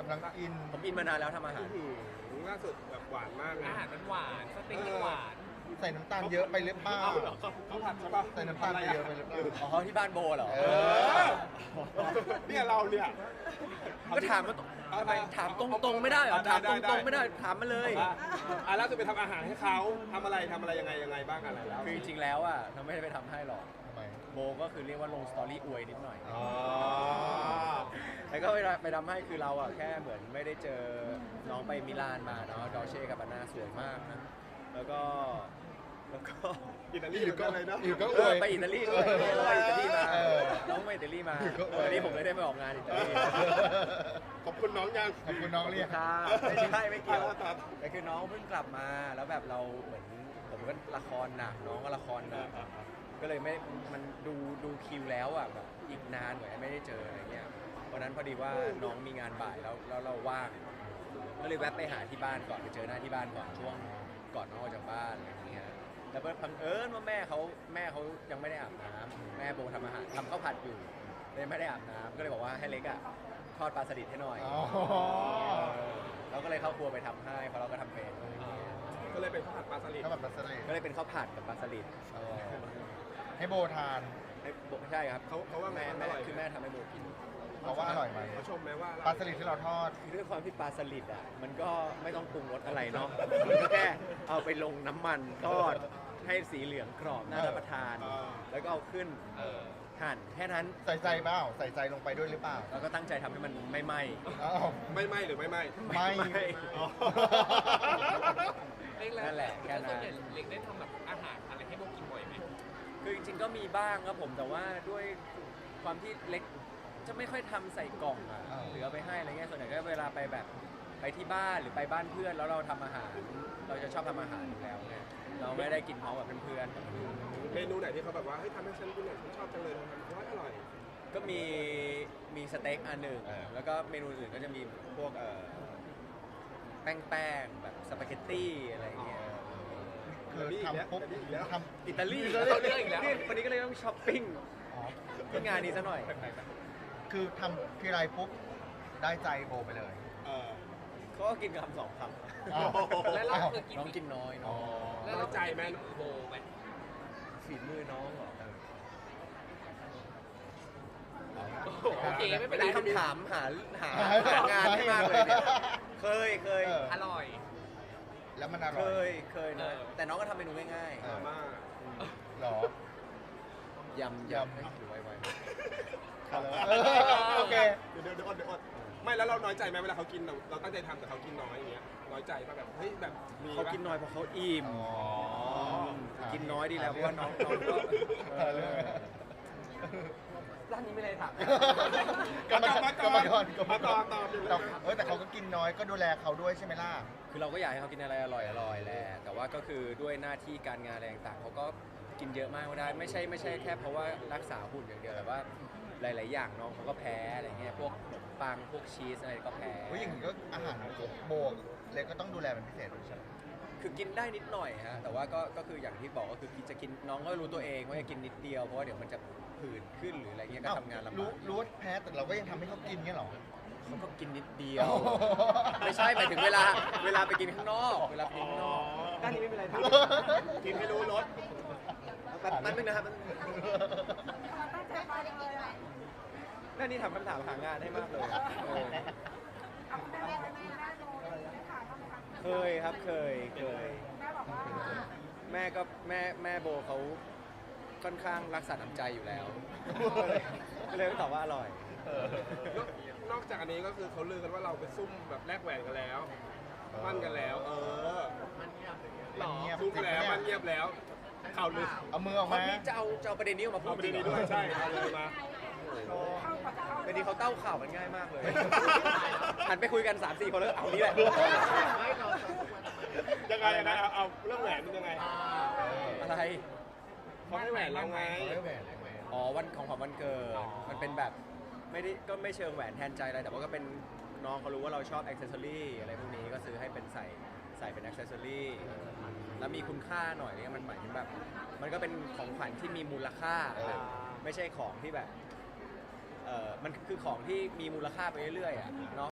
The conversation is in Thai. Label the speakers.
Speaker 1: นังอิน
Speaker 2: ผมอินมานานแล้วทำอาหาร
Speaker 3: ล่าสุดแบบหวานมากนะ
Speaker 4: อาหารมันหวานสเต็กมันหวาน
Speaker 1: ใส่น้ำตาลเยอะไปหรือเปล่า
Speaker 3: เขาผัดใช่ปะ
Speaker 1: ใส่น้ำตาลไปเยอะไปหรือเปล่า
Speaker 2: อ๋อที่บ้านโบเหรอ
Speaker 3: เนี่ยเราเนี่ย
Speaker 2: ก็ถามมาถามตรงๆไม่ได้เหรอถามตรงๆไม่ได้ถามมาเลย
Speaker 3: ล่าสุดไปทำอาหารให้เขาทำอะไรยังไงบ้างอะไรแล้ว
Speaker 2: คือจริงๆแล้วอ่ะเราไม่ได้ไปทำให้หรอก
Speaker 1: ทำไม
Speaker 2: โบก็คือเรียกว่าลงสตอรี่อวยนิดหน่อย
Speaker 3: อ๋อ
Speaker 2: แล้วก็ไปทำให้คือเราอ่ะแค่เหมือนไม่ได้เจอน้องไปมิลานมาเนาะดอเช่กับอานาสวยมากนะแล้วก็
Speaker 3: อิตาลีอยู่ก็เลยเนาะ
Speaker 1: อยู่ก็อวย
Speaker 2: ไปอิตาลีด้วยไปอิตาลีมา
Speaker 1: เออ
Speaker 2: น้องไปอิตาลีมา
Speaker 1: ก็อวย
Speaker 2: วันนี้ผมเลยได้ไปออกงานอิตาลี
Speaker 3: ขอบคุณน้องยัง
Speaker 1: ขอบคุณน้องเรียก
Speaker 2: ค่ะไม่ใช่ไม่เกี่ยว
Speaker 3: ครับ
Speaker 2: แต่คือน้องเพิ่งกลับมาแล้วแบบเราเหมือนผมก็ละครหนักน้องก็ละครหนักก็เลยไม่มันดูคิวแล้วอ่ะแบบอีกนานกว่าไม่ได้เจออะไรเงี้ยวันนั้นพอดีว่าน้องมีงานบ่ายแล้วเราว่างก็เลยแวะไปหาที่บ้านก่อนไปเจอหน้าที่บ้านก่อนช่วงก่อนน้องออกจากบ้านอะไรอย่างเงี้ยแล้วบังเอิญว่าแม่เขายังไม่ได้อาบน้ำแม่โบทำอาหารทำข้าวผัดอยู่เลยไม่ได้อาบน้ำก็เลยบอกว่าให้เล็กอ่ะทอดปลาสลิดให้หน่อย
Speaker 1: อ๋อ
Speaker 2: เราก็เลยเข้าครัวไปทำให้เพราะเราก็ทำเป็น
Speaker 3: ก็เลยเป็นข้าวผัดปลาสลิด
Speaker 1: ข้าวผัดปลาสลิด
Speaker 2: ก็เลยเป็นข้าวผัดกับปลาสลิด
Speaker 1: ให้โบทาน
Speaker 2: ใช่ครับ
Speaker 3: เขาว่าไง
Speaker 2: แม่
Speaker 3: อร่อย
Speaker 2: คือแม่ทำให้โบกิน
Speaker 1: เพราะว่าอร่อยไหม
Speaker 3: เขาชมไหมว่า
Speaker 1: ปลาสลิดที่เราทอด
Speaker 2: คือด้วยความที่ปลาสลิดอ่ะมันก็ไม่ต้องปรุงรสอะไรเนาะมันก็แค่เอาไปลงน้ำมันทอดให้สีเหลืองกรอบน่ารับประทาน แล้วก็เอาขึ้นหั่นแค่นั้น
Speaker 1: ใส่ใจเปล่าใส่ใจลงไปด้วยหรือเปล่า
Speaker 2: แล้วก็ตั้งใจทำให้มันไม่ไหม้
Speaker 1: อ้าว
Speaker 3: ไม่ไหมหรือไม่ไหม
Speaker 1: ไม่
Speaker 3: อ๋อ
Speaker 4: เล็ก
Speaker 2: นั่นแหละแค่นั้น
Speaker 4: ส่วนใหญ่เล็กได้ทำแบบอาหารอะไรให้โบกินบ่อยไหม
Speaker 2: คือจริงๆก็มีบ้างครับผมแต่ว่าด้วยความที่เล็กจะไม่ค่อยทำใส่กล่องอ่ะหรือเอาไปให้อะไรเงี้ยส่วนใหญ่ก็เวลาไปแบบไปที่บ้านหรือไปบ้านเพื่อนแล้วเราทำอาหาร เราจะชอบทำอาหารอยู่แล้วไงเราไม่ได้กินพร้อมกับเพื่อนๆ
Speaker 3: เมนูไหนที่เขาแบบว่าเฮ้ยทำให้ฉันกินหน่อยฉันชอบจังเลยทำเพราะว่าอร่อย
Speaker 2: ก็มีสเต็กอันหนึ่งแล้วก็เมนูอื่นก็จะมีพวกแป้งแบบสปาเกตตี้อะไรอย่างเงี้ย
Speaker 1: คือทำปุ๊บทำ
Speaker 2: อิตาลี
Speaker 4: เขาเลือกอีกแล้ว
Speaker 2: วันนี้ก็เลยต้องช้อปปิ้ง
Speaker 1: อ๋อ
Speaker 2: ที่งานนี้ซะหน่อย
Speaker 1: คือทำทีไรปุ๊บได้ใจโบไปเลย
Speaker 3: เออ
Speaker 2: เขาก็กินคำสองค
Speaker 1: อ้าว
Speaker 4: แล้วเราเคย
Speaker 2: ำ
Speaker 4: กิน
Speaker 2: น้องกินน้อย
Speaker 1: อ๋
Speaker 2: เนาะ
Speaker 1: อ
Speaker 4: แล้วเราใจไหมโบไหม
Speaker 2: ฝีมือน้องเหรอ
Speaker 4: โอเคไม่เป็
Speaker 2: เป็น น
Speaker 4: ไร
Speaker 2: คำถามหางานให้มากเลยเนี่ยเคย
Speaker 4: อร่อย
Speaker 1: แล้วมันอ
Speaker 2: เค
Speaker 1: ร่อย
Speaker 2: ยนะแต่น้องก็ทำเมนูง่าย
Speaker 3: มาม่า
Speaker 1: หรอ
Speaker 2: ๆยำให้ถือไว้
Speaker 1: โอเค
Speaker 3: เดี๋ยวอดไม่แล้วเราน้อยใจไหมเวลาเขากินเราตั้งใจทำแต่เขากินน้อยอย่างเงี้ยน้อยใจป่ะแบบเฮ้ยแบบมี
Speaker 2: เขากินน้อยเพราะเขาอิ่ม
Speaker 1: อ๋อ
Speaker 2: กินน้อยดีแล้วเพราะว่าน้องก็ร้านนี้ไม่เลยถาม
Speaker 1: กรรมกรตอบ
Speaker 3: ตอบ
Speaker 1: แต่เขาก็กินน้อยก็ดูแลเขาด้วยใช่ไหมล่ะ
Speaker 2: คือเราก็อยากให้เขากินอะไรอร่อยแหละแต่ว่าก็คือด้วยหน้าที่การงานอะไรต่างๆเขาก็กินเยอะมากไม่ได้ไม่ใช่แค่เพราะว่ารักษาหุ่นอย่างเดียวแต่ว่าหลายๆอย่างน้องเขาก็แพ้อะไรเงี้ยพวกขนมปังพวกชีสอะไรก็แพ้
Speaker 1: ผู้หญิงก็อาหารโบกเล็กก็ต้องดูแลเป็นพิเศษด้วยใช่ไหม
Speaker 2: คือกินได้นิดหน่อยฮะแต่ว่าก็คืออย่างที่บอกก็คือจะกินน้องก็รู้ตัวเองว่าจะกินนิดเดียวเพราะว่าเดี๋ยวมันจะผื่นขึ้นหรืออะไรเงี้ยก็ทำงานลำบาก
Speaker 1: รู้ว่าแพ้แต่เราก็ยังทำให้เขากินเงี้ยหรอ
Speaker 2: เขาก็กินนิดเดียว ไม่ใช่หมายถึงเวลาไปกินข้างนอกเวลาไปกินข้างนอกด้านนี้ไม่เป็นไรครับ
Speaker 3: กินไม่รู้รส
Speaker 2: แป๊บนึงนะครับด้านนี้ทำคำถามหางานให้มากเลยเคยครับเคยแม่โบเขาค่อนข้างรักษาน้ำใจอยู่แล้วก็เลยตอบว่าอร่อย
Speaker 3: นอกจากอันนี้ก็คือเขาลือกันว่าเราไปซุ่มแบบแลกแหวนกันแล้วมั่นกันแล้ว
Speaker 1: หรอ
Speaker 3: ซุ่มแล้วมันเงียบแล้วข่าวลือ
Speaker 1: เอามือออกมา
Speaker 2: นี่จะเอาประเด็นนี้ออกมาพู
Speaker 3: เอา
Speaker 2: ด
Speaker 3: ไป
Speaker 2: จริง
Speaker 3: ดี
Speaker 2: เหร
Speaker 3: ด้
Speaker 2: อ
Speaker 3: วยใช่เอาเลยมา
Speaker 2: เป็นดีเขาเต้าข่าวมันง่ายมากเลยหันไปคุยกัน 3-4 คนแล้วเอานี้แหละ
Speaker 3: ยังไงนะเอาเรื่องแหวนเป็นยังไง
Speaker 2: อะไร
Speaker 3: เขาให้แหวนเราไง
Speaker 2: อ๋อวันของขวัญวันเกิดมันเป็นแบบไม่เชิงแหวนแทนใจอะไรแต่ว่าก็เป็นน้องเขารู้ว่าเราชอบอ็อกเซสซอรี่อะไรพวกนี้ก็ซื้อให้เป็นใส่เป็นอ็อกเซสซอรี่แล้วมีคุณค่าหน่อยเนี่ยมันหมายถึงแบบมันก็เป็นของขวัญที่มีมูลค่าแบบไม่ใช่ของที่แบบมันคือของที่มีมูลค่าไปเรื่อยๆอ่ะเนาะ